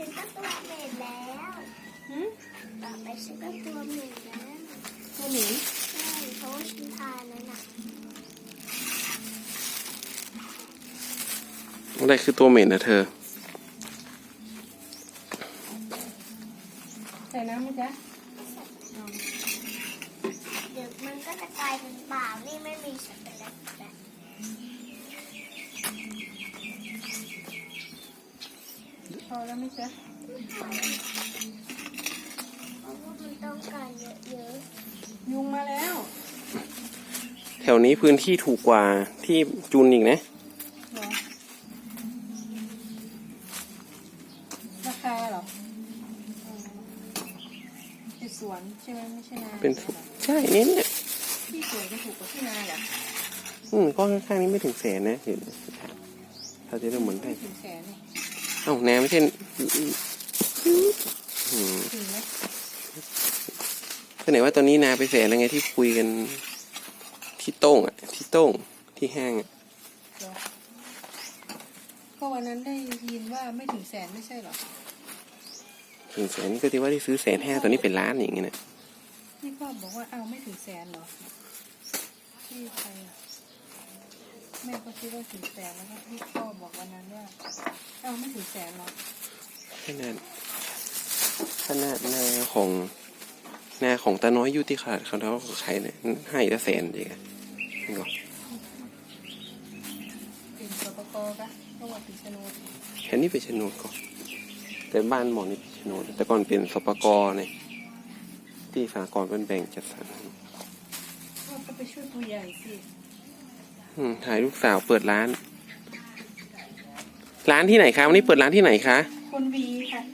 ฉันก็ตัวเหม็นแล้วต่อไปฉันก็ตัวเหม็นแล้วตัวหมีใช่เพราะว่าฉันทานแล้วนะอะไรคือตัวเหม็นนะเธอใส่น้ำไหมจ๊ะเดี๋ยวมันก็จะกลายเป็นเปล่านี่ไม่มีช็อกโกแลตแล้วพอแล้วไหมจ๊ะเพราะว่ามันต้องการเยอะยุงมาแล้วแถวนี้พื้นที่ถูกกว่าที่จุนอีกนะเหรอราคาเหรอเป็นสวนใช่ไหมไม่ใช่นาเป็นใช่เนี่ยที่สวนจะถูกกว่าที่นาเหรอก็ข้างๆนี้ไม่ถึงแสนนะเห็นเราจะได้เหมือนได้ถึงแสนนี่เอ้าแนวไม่ใช่ถึงไหมก็ไหนว่าตอนนี้นาไปแสนแล้วไงที่คุยกันที่โต้งอ่ะที่โต้งที่ห้างอ่ะก็วันนั้นได้ยินว่าไม่ถึงแสนไม่ใช่เหรอถึงแสนก็ที่ว่าที่ซื้อ150,000ตอนนี้เป็นล้านอย่างเงี้ยนะพี่พ่อบอกว่าเอาไม่ถึงแสนเหรอที่ใครอ่ะแม่ก็คิดว่าถึงแสนแล้วก็พี่พ่อบอกวันนั้นว่าเอาไม่ถึงแสนหรอขนาดนาของตาน้อยอยู่ที่ขาดเขาแล้วใช้เนี่ยให้ละ100,000จริงอ่ะนี่ก็เป็นสปกกะก็ว่าเป็นโฉนดแค่นี้เป็นโฉนดก่อนแต่บ้านหมอนี่เป็นโฉนดแต่ก่อนเป็นสปกเนี่ยที่สหกรณ์เป็นแบ่งจัดสรรก็ไปช่วยผู้ใหญ่สิถ่ายลูกสาวเปิดร้านที่ไหนคะวันนี้เปิดร้านที่ไหนคะคนวีค่ะ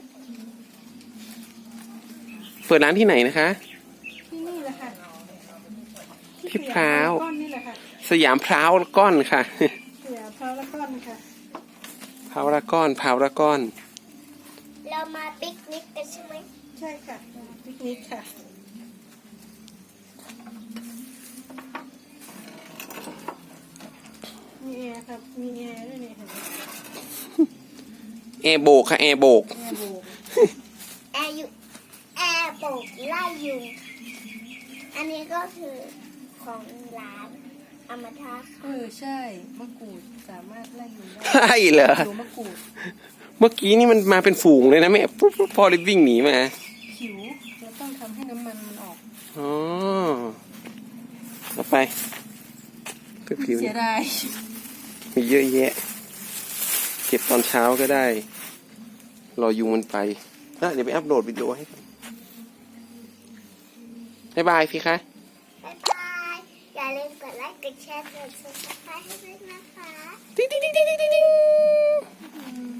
เปิดร้านที่ไหนนะคะที่นี่แหละค่ะที่พร้าวนี่แหละค่ะสยามพร้าวก้อนค่ะสยามพร้าวละก้อนค่ะพร้าวละก้อนเรามาปิกนิกกันใช่ไหมใช่ค่ะปิกนิกค่ะมีแอร์ครับมีแอร์ด้วยนี่ค่ะแอร์โบกค่ะแอร์โบกแอร์โบกไล่ยุงอันนี้ก็คือของร้านอมตะใช่มะกรูดสามารถไล่ยุงได้ใช่เหรอมะกรูดเมื่อกี้นี่มันมาเป็นฝูงเลยนะแม่ปุ๊บพอเลยวิ่งหนีมาผิวเราต้องทำให้น้ำมันมันออกอ๋อต่อไปผิวเสียดายมีเยอะแยะเก็บตอนเช้าก็ได้รอยุงมันไปเดี๋ยวไปอัพโหลดวิดีโอให้บ๊ายบายพี่คะบ๊ายบายอย่าลืมกดไลค์กดแชร์กด Subscribe ให้ด้วยนะคะติ๊ง